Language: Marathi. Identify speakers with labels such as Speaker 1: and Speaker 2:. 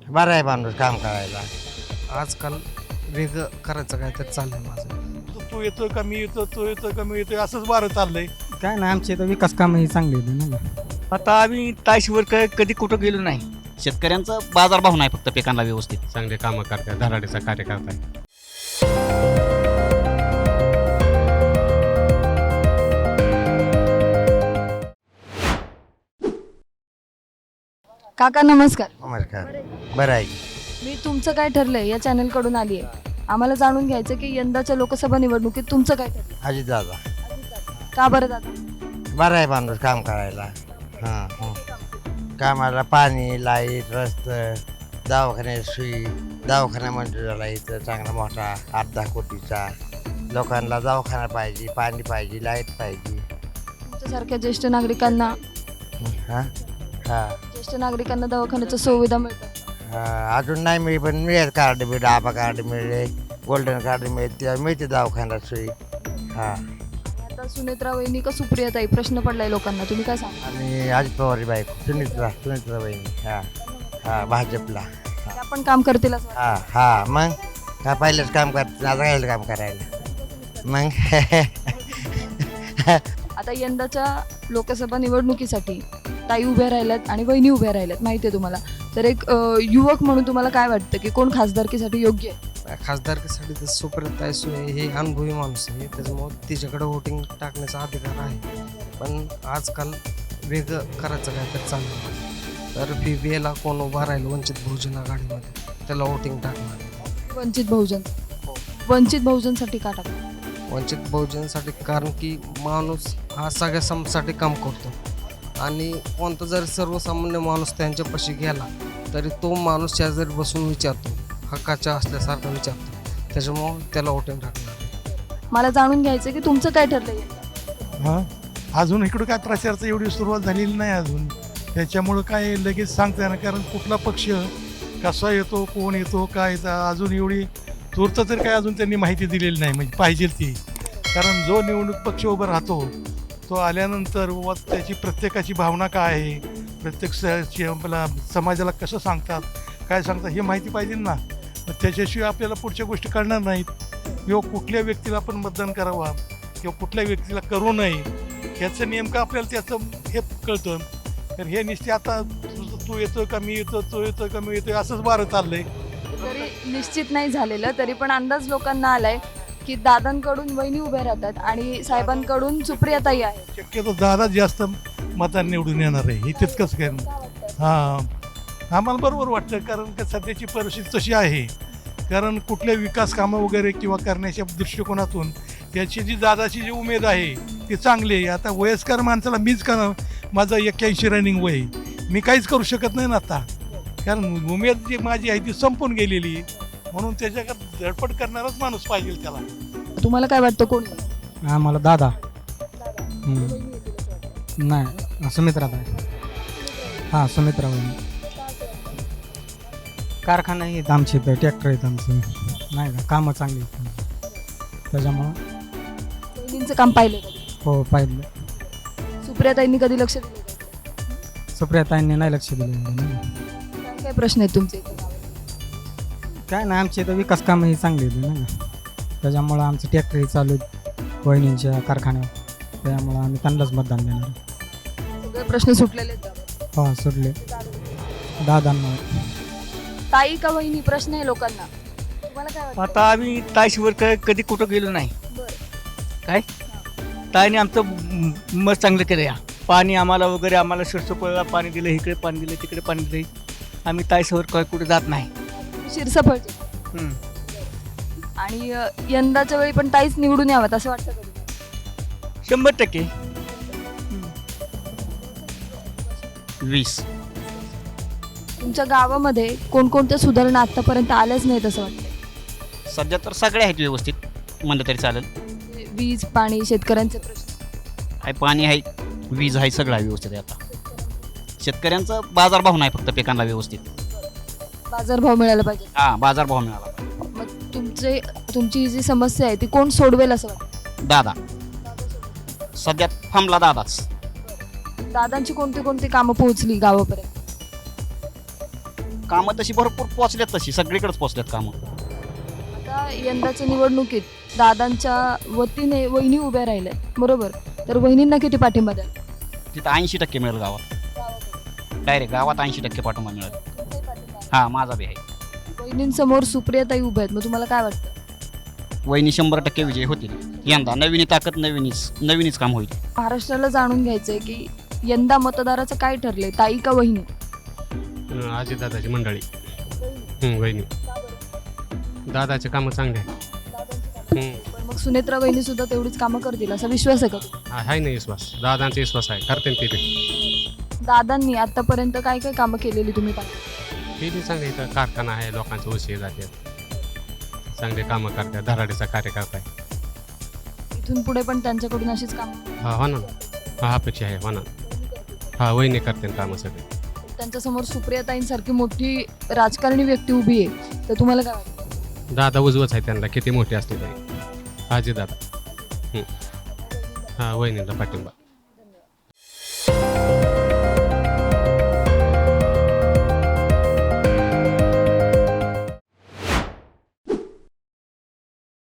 Speaker 1: बरं आहे माणूस काम करायला.
Speaker 2: आजकाल वेगळं करायचं काय तर चाललंय माझं.
Speaker 3: तू येतोय का मी येतो, तो येतोय का मी येतोय, असंच बारं चाललंय.
Speaker 4: काय ना आमचे तर विकास कामही चांगली होती ना.
Speaker 5: आता आम्ही ताशवर कधी कुठं गेलो नाही. शेतकऱ्यांचा बाजारभाव नाही फक्त पिकांना व्यवस्थित.
Speaker 6: चांगले कामं करतात, धडाडीचा कार्य करतात.
Speaker 7: काका नमस्कार.
Speaker 1: नमस्कार. बरं आहे.
Speaker 7: मी तुमचं काय ठरलंय या चॅनलकडून आली आहे. आम्हाला जाणून घ्यायचं की यंदाच्या लोकसभा निवडणुकीत तुमचं काय ठरलं.
Speaker 1: अजित दादा.
Speaker 7: का बरं दादा.
Speaker 1: बरं आहे माणूस काम करायला. हां कामाला पाणी, लाईट, रस्ते, दवाखान्यात सुई, दवाखाना मंजूर झाला इथं चांगला मोठा 8-10 कोटीचा. लोकांना दवाखाना पाहिजे, पाणी पाहिजे, लाईट पाहिजे.
Speaker 7: तुमच्यासारख्या ज्येष्ठ नागरिकांना
Speaker 1: हां हां
Speaker 7: ज्येष्ठ नागरिकांना दवाखान्याच्या सुविधा मिळतात.
Speaker 1: अजून नाही मिळेल पण मिळेल. कार्ड मिळेल, आबा कार्ड मिळेल, गोल्डन कार्ड मिळेल, तेव्हा मिळते दवाखान्यात सोयी. हां
Speaker 7: आता सुनेत्रा वहिनी का सुप्रियाताई प्रश्न पडलाय लोकांना, तुम्ही काय सांगा.
Speaker 1: आणि अजित पवारची बायको सुनीत्रा बहिणी. हां भाजपला.
Speaker 7: त्या पण काम करतील असं वाटतं.
Speaker 1: हां मग का पहिलंच काम करते, आता राहिलं काम करायला मग.
Speaker 7: आता यंदाच्या लोकसभा निवडणुकीसाठी ताई उभ्या राहिल्यात आणि वहिनी उभ्या राहिल्यात माहिती आहे तुम्हाला. तर एक युवक म्हणून तुम्हाला काय वाटतं की कोण खासदारकीसाठी योग्य आहे.
Speaker 2: खासदारकीसाठी तर सुप्रियाताई सुळे हे अनुभवी माणूस आहे, त्याच्यामुळं तिच्याकडे वोटिंग टाकण्याचा अधिकार आहे. पण आजकाल वेगळं करायचं काय तर चाललंय. तर BBAला कोण उभा राहील वंचित बहुजन आघाडीमध्ये त्याला वोटिंग टाकणार.
Speaker 7: वंचित बहुजनसाठी का टाकणार.
Speaker 2: वंचित बहुजनसाठी कारण की माणूस हा सगळ्या समाजासाठी काम करतो आणि कोणता जरी सर्वसामान्य माणूस त्यांच्यापाशी गेला तरी तो माणूस शेजारी बसून विचारतो, हक्काच्या असल्यासारखं विचारतो. त्याच्यामुळं त्याला वोटिंग टाकणार.
Speaker 7: मला जाणून घ्यायचं की तुमचं काय ठरलंय.
Speaker 3: हां अजून इकडं काय प्रचाराचं एवढी सुरुवात झालेली नाही अजून. त्याच्यामुळं काय लगेच सांगता येणार, कारण कुठला पक्ष कसा येतो, कोण येतो, काय येतं अजून एवढी तूर्त तर काय अजून त्यांनी माहिती दिलेली नाही. म्हणजे पाहिजे ती, कारण जो निवडणूक पक्ष उभा राहतो तो आल्यानंतर व त्याची प्रत्येकाची भावना काय आहे, प्रत्येक आपला समाजाला कसं सांगतात, काय सांगतात हे माहिती पाहिजे ना. मग त्याच्याशिवाय आपल्याला पुढच्या गोष्टी कळणार नाहीत. किंवा कुठल्या व्यक्तीला आपण मतदान करावा किंवा कुठल्या व्यक्तीला करू नये ह्याचं नेमकं आपल्याला त्याचं हे कळतं. तर हे निश्चित आता तू येतोय का मी येतो, तो येतोय का मी येतोय, असंच बारं चाललंय.
Speaker 7: जरी निश्चित नाही झालेलं तरी पण अंदाज लोकांना आलाय की दादांकडून वहिनी उभ्या राहतात आणि साहेबांकडून सुप्रियाताई आहे.
Speaker 3: शक्यतो दादा जास्त मतांनी निवडून येणार आहे हे तितकंच काय. हां आम्हाला बरोबर वाटतं, कारण का सध्याची परिस्थिती तशी आहे. कारण कुठल्या विकास कामं वगैरे किंवा करण्याच्या दृष्टिकोनातून त्याची जी दादाची जी उमेद आहे ती चांगली आहे. आता वयस्कर माणसाला मीच का, माझं 81 रनिंग वय, मी काहीच करू शकत नाही ना आता, कारण उमेद जी माझी आहे ती संपून गेलेली. म्हणून त्याच्याकडे धडपड करणारच माणूस पाहिजे त्याला.
Speaker 7: तुम्हाला काय वाटतं कोण.
Speaker 4: आम्हाला दादा नाही सुमित्रा आहे. हां सुमित्रा वहिनी. कारखाना आहेत आमचे, इथं ट्रॅक्टर आहेत आमचं नाही का, कामं चांगली आहेत त्याच्यामुळं.
Speaker 7: वहिनींचं काम पाहिलं कधी.
Speaker 4: हो पाहिलं.
Speaker 7: सुप्रियाताईंनी कधी लक्ष दिलं.
Speaker 4: सुप्रियाताईंनी नाही लक्ष दिलं.
Speaker 7: काय काय प्रश्न आहेत तुमचे.
Speaker 4: काय ना आमचे तर विकास कामही चांगली होती ना, त्याच्यामुळं आमचं ट्रॅक्टरही चालू आहेत वहिनींच्या कारखान्यावर, त्यामुळं आम्ही त्यांनाच मतदान देणार.
Speaker 7: सगळे प्रश्न सुटलेले आहेत.
Speaker 4: हो सुटले दादांना.
Speaker 7: ताई का वहिनी प्रश्न आहे लोकांना, तुम्हाला काय वाटतं.
Speaker 5: आता आम्ही ताशवर कधी कुठं गेलो नाही. काय ताईने आमचं मत चांगलं केलं. या पाणी आम्हाला वगैरे, आम्हाला शिरसोपळला पाणी दिलं, इकडे पाणी दिलं, तिकडे पाणी दिलं. आम्ही ताईसवर काय कुठे जात नाही.
Speaker 7: शिरसफळचे. आणि यंदाच्या वेळी पण ताईच निवडून यावं असं वाटतं कधी.
Speaker 5: 100%. 20.
Speaker 7: तुमच्या गावामध्ये कोणकोणत्या सुधारणा आतापर्यंत आल्याच नाहीत असं वाटतं.
Speaker 5: सध्या तर सगळे आहेत व्यवस्थित म्हणलं तरी चालेल.
Speaker 7: वीज, पाणी, शेतकऱ्यांचे प्रश्न
Speaker 5: आहे, पाणी आहे, वीज आहे, सगळं आहे व्यवस्थित आहे. आता शेतकऱ्यांचा बाजारभाव नाही फक्त पिकांना व्यवस्थित.
Speaker 7: बाजारभाव मिळाला पाहिजे.
Speaker 5: हां बाजारभाव मिळाला.
Speaker 7: मग तुमची जी समस्या आहे ती कोण सोडवेल असं वाटतं.
Speaker 5: दादा सध्या थांबला दादाच.
Speaker 7: दादांची कोणती कोणती कामं पोहोचली गावापर्यंत.
Speaker 8: कामं तशी भरपूर पोचल्यात, तशी सगळीकडेच पोचल्यात कामं.
Speaker 7: आता यंदाच्या निवडणुकीत दादांच्या वतीने वहिनी उभ्या राहिल्या बरोबर, तर वहिनींना किती पाठिंबा द्याल?
Speaker 8: तिथं 80% मिळेल गावात, डायरेक्ट गावात 80% पाठिंबा मिळेल. हां, माझा बी आहे.
Speaker 7: वहिनींसमोर सुप्रियाताई उभ्या आहेत, मग तुम्हाला काय वाटतं?
Speaker 8: वहिनी 100% विजय होतील यंदा. नवीन ताकद, नवीनच काम होईल.
Speaker 7: महाराष्ट्राला जाणून घ्यायचंय की यंदा मतदाराचं काय ठरलंय, ताई का वहिनी?
Speaker 6: अजितदादाची मंडळी. वहिनी. दादाचे कामं चांगले आहेत.
Speaker 7: पण मग सुनेत्रा वहिनी सुद्धा तेवढीच कामं करतील असा विश्वास आहे का तुम्हाला?
Speaker 6: आहे ना विश्वास, दादांचा विश्वास आहे, करते ते बी.
Speaker 7: दादांनी आतापर्यंत काय काय कामं केलेली तुम्ही पाहिजे?
Speaker 6: ते बी चांगले, इथं कारखाना आहे, लोकांचे उशीर जातात, चांगले कामं करतात, धराडीचा कार्यकर्ता आहे.
Speaker 7: इथून पुढे पण त्यांच्याकडून अशीच कामं?
Speaker 6: हा, हो ना. हा, अपेक्षा आहे, हो ना. हा, वहिनी करते कामं सगळे.
Speaker 7: त्यांच्यासमोर सुप्रियाताईंसारखी मोठी राजकारणी व्यक्ती उभी आहे, तर तुम्हाला काय वाटतं?
Speaker 6: दादा उजवच आहे त्यांना, किती मोठे असले तरी. अजितदादा. हा, वहिनीला पाठिंबा.